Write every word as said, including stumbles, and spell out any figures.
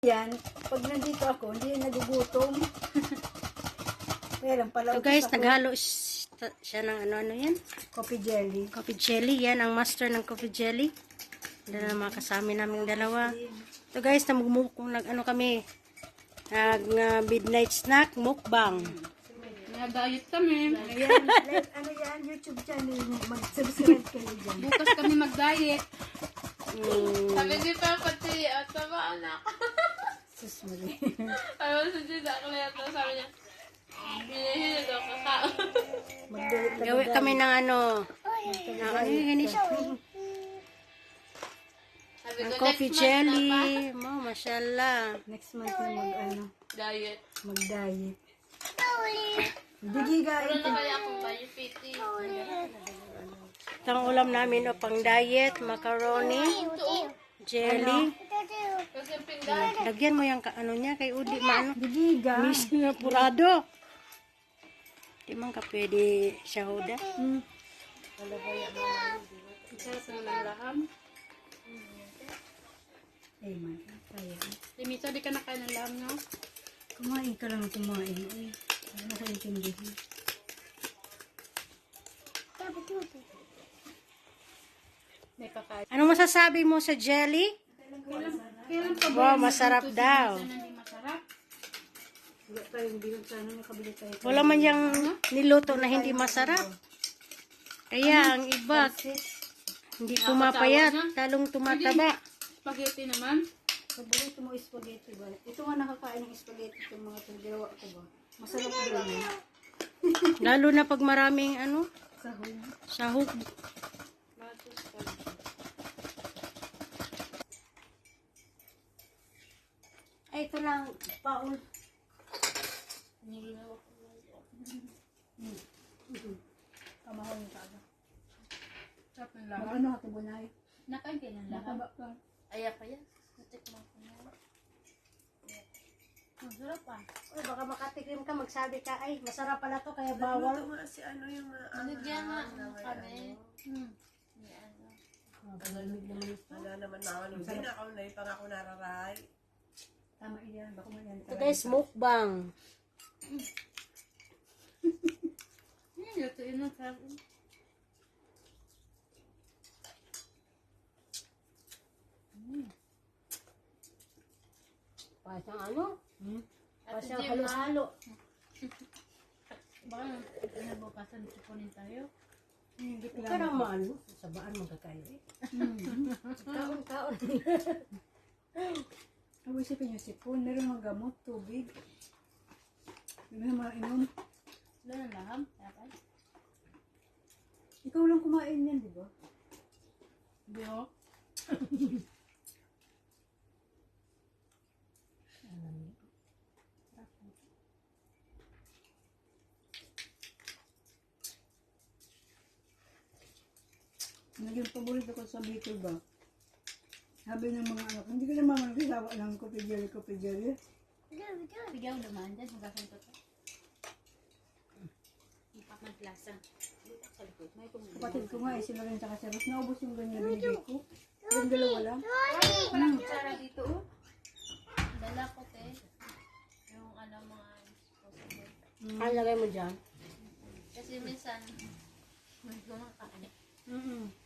Yan, pag nandito ako, hindi yan nagugutom. Pero pala. So guys, naghalo siya ng ano-ano yan? Coffee jelly. Coffee jelly. Yan ang master ng coffee jelly. Yan ang mga kasama naming dalawa. So guys, namugmukong nag-ano kami. Nag uh, midnight snack, mukbang. Nag-diet kami. Ayan, like, ano yan, YouTube channel mo. Mag-subscribe kayo dyan. Bukas kami mag-diet. Mm. Sabi ni Papa T, at tama anak. Sus, mali. Ayaw sa Tita ako na ito. Sabi niya, binihin ito kaka. Magdulot na Gawin kami ng ano. ng Ano yung ganis? Sabi Ng ko, coffee next month na pa. jelly. Mo, mashallah. Next month na mag, ano, Diet. mag-diet. Hindi Wala guys. na kaya akong bayo, Piti. Ito ang ulam namin o pang diet, macaroni, jelly. Kasi pinggan. Lagyan mo yung ka- ano niya kay Udi maano. Digiga. Miss na purado. Di man ka pwede siya huda. Hmm. Sarap na ng laham. Eh, man. Kaya. Limito, di ka nakain ng laham, no? Kumain ka lang kumain. Uy, ano ka intindihin? May kakain. Ano masasabi mo sa jelly? Kailan, kailan pa ba Wow, yung masarap nagluto si daw. Minsan na hindi masarap? Wala tayong bilog sana nakabili tayo. Wala man yung niluto na hindi masarap. Kaya ang iba, hindi pumapayat, talong tumataba. Spaghetti naman. Paborito mo spaghetti ba? Ito nga nakakain ng spaghetti itong mga taggawa ko ba? Masarap din eh. Lalo na pag maraming ano, Sahog. sahog. Ay, ito lang, Paul. Kamahal yung taga. Sarap ng laham. Mag-ano ito bunay? Nakain kayo ng laham. Nakaba ka. Ayak pa yan. Natikman ko na. Masarap pa. Uy, baka makatikim ka, magsabi ka, ay, masarap pala to, kaya bawal. Nandiyan nga kami. Hmm. Ni ano. Magalamig naman ito. Wala naman na ako. Hindi na ako na pang ako nararay. Tama yan. Baka man yan. Ito guys, mukbang. Hmm, lutuin mo. Sarap. Pasang ano? Hmm? At Pasang Jim, halo-halo. Baka nabukasan sipunin tayo. Hindi Huwag ka naman ano, sabaan magkakayo eh. Kaon-kaon. Ang isipin niyo sipon. Meron mga gamot, tubig. Meron mga inom. Wala ng laham. Dapat. Ikaw lang kumain yan, di ba? Hindi ho. Naging paborito ko sa Bicol ba? Sabi ng mga anak, hindi ko naman magkasawa ng coffee jelly, coffee jelly. Bigyan mo naman dyan. Magasan ko to. Ipak ng klasa. Kapatid ko nga eh, sila rin tsaka si Ros. Naubos yung ganyan na binigay ko. Yung dalawa lang. Walang kutsara dito, oh. Dala ko, te. Yung ano, mga disposable. Ang lagay mo dyan. Kasi minsan, may kumakain. Mm-mm.